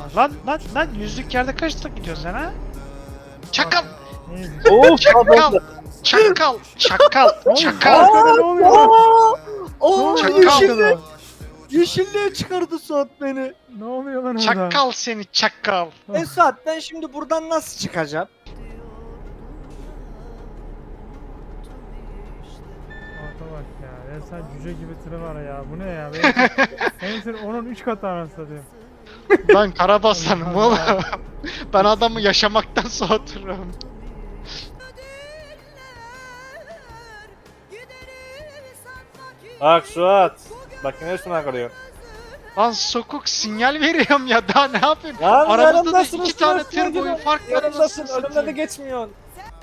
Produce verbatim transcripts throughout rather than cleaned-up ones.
Lan lan lan yüzlük yerde kaç hızla gidiyorsun sen ha? Çakal! Of Çakal! Çakal! Çakal! Çakal! Ne oluyor? Oo, Çakal. yeşilliğe, yeşilliğe çıkardı Suat beni. Ne oluyor lan orada? Çakal seni çakal! E Suat ben şimdi buradan nasıl çıkacağım? Ata bak ya. Resmen cüce gibi tırı var ya. Bu ne ya? Benim, benim tır onun üç katı anasını satayım. Ben karabasanım oğlum. Ben adamı yaşamaktan soğuturum. Bak Suat. Bak yine üstüne kalıyor. Lan sokuk sinyal veriyorum ya daha ne yapayım? Lan Aramızda da yanımdasın, iki üstüne tane üstüne tır boyu gidiyor. fark var. Yanımdasın, anasını önümde de satayım. geçmiyorsun.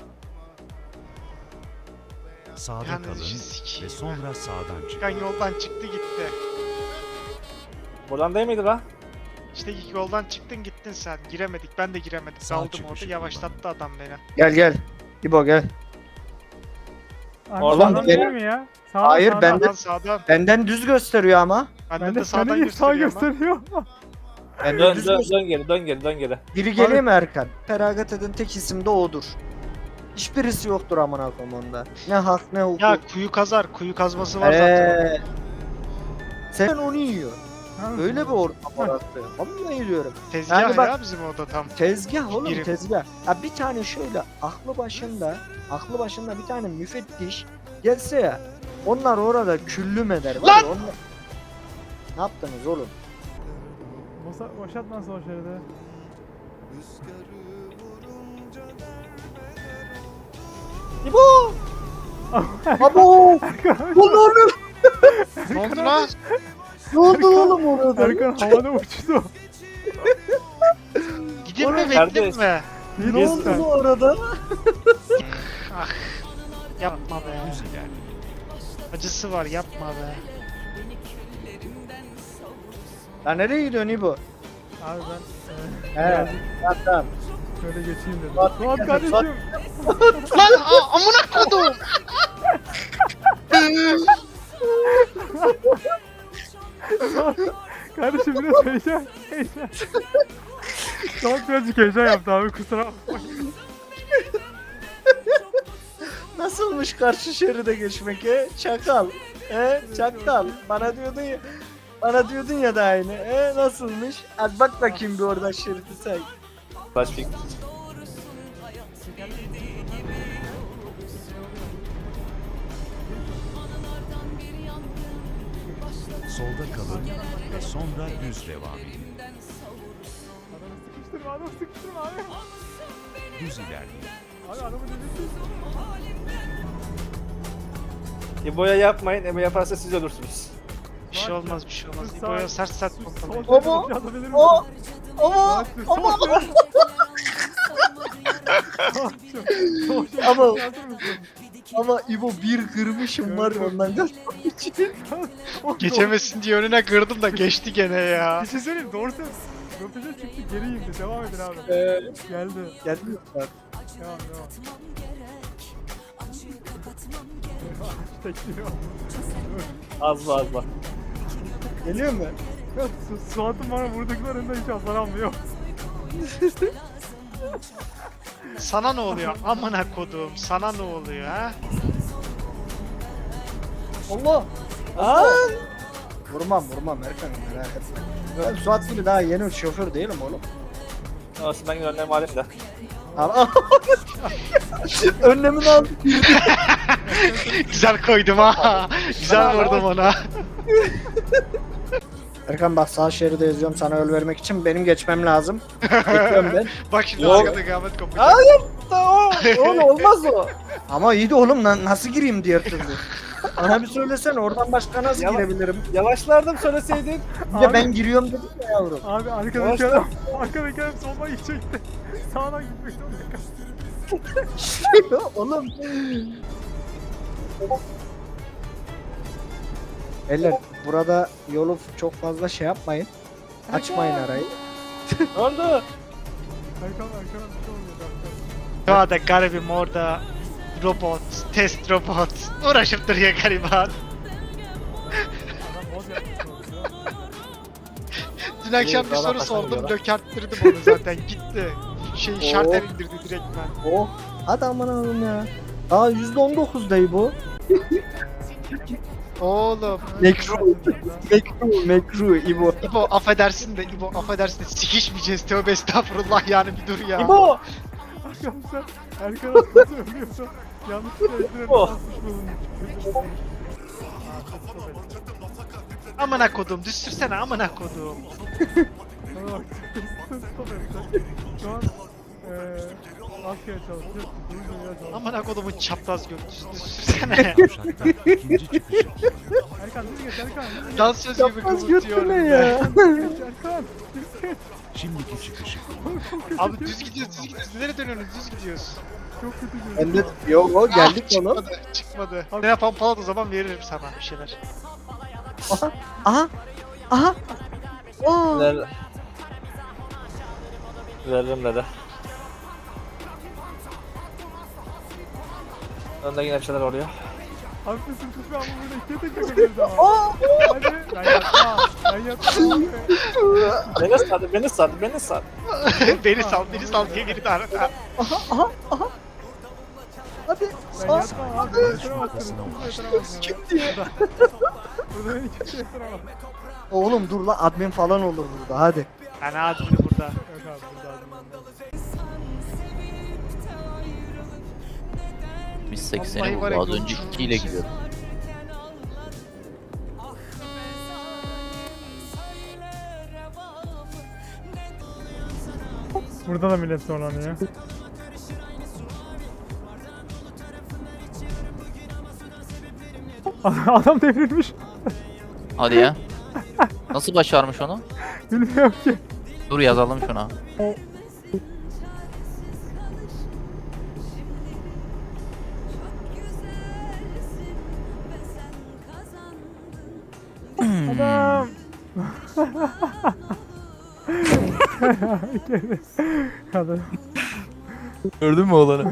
Sağda Yalnız kalın sikeyim. ve sonra sağdan çıkın. Çıkan yoldan çıktı gitti. Buradan değil miydi lan? İşte ilk yoldan çıktın gittin sen. Giremedik ben de giremedim. Sağ Kaldım çıkışı orada kullan. yavaşlattı adam beni. Gel gel. İbo gel. Abi Oradan sağdan benim- değil mi ya? Sağdan, Hayır, sağdan. ben de- Sağdan sağdan. Benden düz gösteriyor ama. Bende Ben de de sağdan seni sağ gösteriyor ama. gösteriyor. Benden Dön, düz dön, gösteriyor. dön geri, dön geri, dön geri. Biri geliyor mu Erkan? Feragat eden tek isim de odur. Hiçbirisi yoktur amına koyayım onda. Ne hak ne hukuk. Ya kuyu kazar. Kuyu kazması var zaten. Eee. Sen onu yiyor. Ha, Öyle bir ortam orası. Vallahi diyorum. Tezgah Yani bak- ya bizim oda tam. Tezgah oğlum Birim. tezgah. Ya bir tane şöyle aklı başında, aklı başında bir tane müfettiş gelse ya. Onlar orada küllüm eder. Var Lan! ya, onlar... Ne yaptınız oğlum? Boşa, boşaltma sol şeridi. İbo! Abo! Ne oluyor? Ne oldu lan? Ne oldu oğlum orada? Erkan havada uçtu. Gidin mi kardeş. bekleyin mi? Ne oldu lan orada? Ah. Yapma be. Düz ilerleyin. Acısı var yapma be. Ya nereye gidiyorsun İbo? Abi ben e, He. birazcık Tamam tamam. şöyle geçeyim dedim. Suat, Suat gel, kardeşim. Suat. Lan a- amına kodum. Kardeşim biraz heyecan. Heyecan. Suat birazcık heyecan yaptı abi kusura bakma. Nasılmış karşı şeride geçmek he? Çakal. He? Çakal. Bana diyordun ya. Bana diyordun ya da aynı. E nasılmış? Hadi bak bakayım bir oradan şeridi say. Başfik. Solda kalın ve sonra düz devam edin. Adamı sıkıştırma adamı sıkıştırma abi. Düz ilerleyin. Abi adamı delirtin. İbo'ya yapmayın, İbo yaparsa siz ölürsünüz. Bir şey olmaz bir şey olmaz. Sağ- İbo'ya sert sert Sol pompalayın. şeride Ama- boşaltabilir misin? O ama Suat, ama sol şerit. Suat'cığım, sol şeride Ama- boşaltır mısın? ama İbo bir kırmışım var ya ondan gel. Geçemesin diye önüne kırdım da geçti gene ya. Bir şey söyleyeyim doğru söylüyorsun. Röpete çıktı geri indi devam edin abi. Ee, Geldi. gelmiyor bak. Devam devam. Tekliyor. Az az bak. Geliyor mu? Su, Suat'ın bana vurduklarında hiç hasar almıyor. Sana ne oluyor? Amına kodum. Sana ne oluyor ha? Allah. Aa! Vurmam vurmam Erkan merak etme. Ben Suat gibi daha yeni şoför değilim oğlum. Olsun ben yine önlem alayım da. Al. Önlemini al. Güzel koydum ha. Güzel vurdum ona. Erkan bak sağ şeride yazıyorum sana yol vermek için benim geçmem lazım. Geçiyorum ben. Bak şimdi Yok. arkada kıyamet kopacak. Hayır. O, oğlum olmaz o. Ama iyi de oğlum lan nasıl gireyim diğer türlü. Bana bir söylesene oradan başka nasıl Yava- girebilirim? Yavaşlardım söyleseydin. Bir de ben giriyorum dedim ya yavrum. Abi arkadaki Yavaşla. adam, arkadaki adam soldan gidecekti. Sağdan gitmek zorunda kaldı. Oğlum. Beyler burada yolu çok fazla şey yapmayın. Açmayın arayı. Ne oldu? Erkan, Erkan'a bir şey oluyor. dakika. Ya da garibim orada robot, test robot uğraşıp duruyor gariban. Adam boz yapmış. Dün akşam bir daha soru taşlanıyor sordum, lan. dökerttirdim onu zaten gitti. Şey şarter indirdi direkt ben. Oh. Hadi aman oğlum ya. Aa yüzde on dokuz dayı bu. Oğlum. Mekru. Mekru. Mekru. İbo. İbo affedersin de İbo affedersin de sikişmeyeceğiz tövbe estağfurullah yani bir dur ya. İbo. Arkadaşlar Erkan Aslan söylüyorsa yanlışlıkla eldivenini Oh. basmış bulunmuş. Amına kodum düşürsene amına kodum. Bana bak. Stop et. Şu an eee askere çalışıyor. Düzgün çalışıyor. Amına kodumun çapraz göt düşürsene. Kuşakta ikinci çıkışı. Erkan düz geç Erkan. Düz geç. Dansöz gibi Yapmaz kıvırtıyorum. götüne ya. Düz geç Erkan. Düz geç. Şimdiki çıkışı. Abi düz gidiyoruz düz gidiyoruz. Nereye dönüyorsunuz düz gidiyoruz. Çok kötü Ben görünüyor. de yok o geldik Ah, oğlum. çıkmadı çıkmadı. Ne yapan palat o zaman veririm sana bir şeyler. Aha. Aha. Aha. Oo. Ver... Veririm dedi. Önde yine bir şeyler oluyor. Haklısın kız ben bunu böyle ikiye tek yapabiliriz ama. Aa. Hadi. Ben yapmam. Ben yapmam. Beni sardı, beni sardı, beni sardı. beni sal beni sal diye geri daha. Aha. Aha. Aha. Hadi. Ben Aa. yapmam abi. Yatıramazsınız. Siz yatıramazsınız. Kim diye? Burada beni kimse yatıramaz. Oğlum dur lan admin falan olur burada hadi. Ben adını burada. Yok abi burada adamım. Biz sekseni Vallahi var ya, buldu. Az önce yolculuğumuz. iki ile gidiyorduk. Burada da millet zorlanıyor. Adam devrilmiş. Hadi ya. Nasıl başarmış onu? Bilmiyorum ki. Dur yazalım şuna. Adam. Hadi. Gördün mü oğlanı?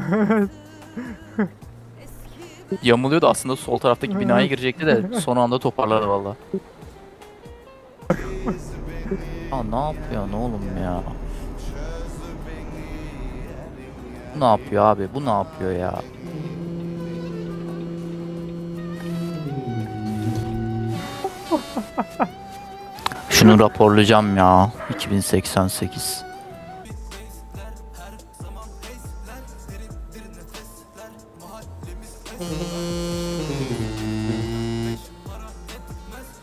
Yamuluyordu aslında sol taraftaki binaya girecekti de son anda toparladı valla. Aa ne yapıyor ne oğlum ya? Bu ne yapıyor abi? Bu ne yapıyor ya? Şunu raporlayacağım ya. iki bin seksen sekiz.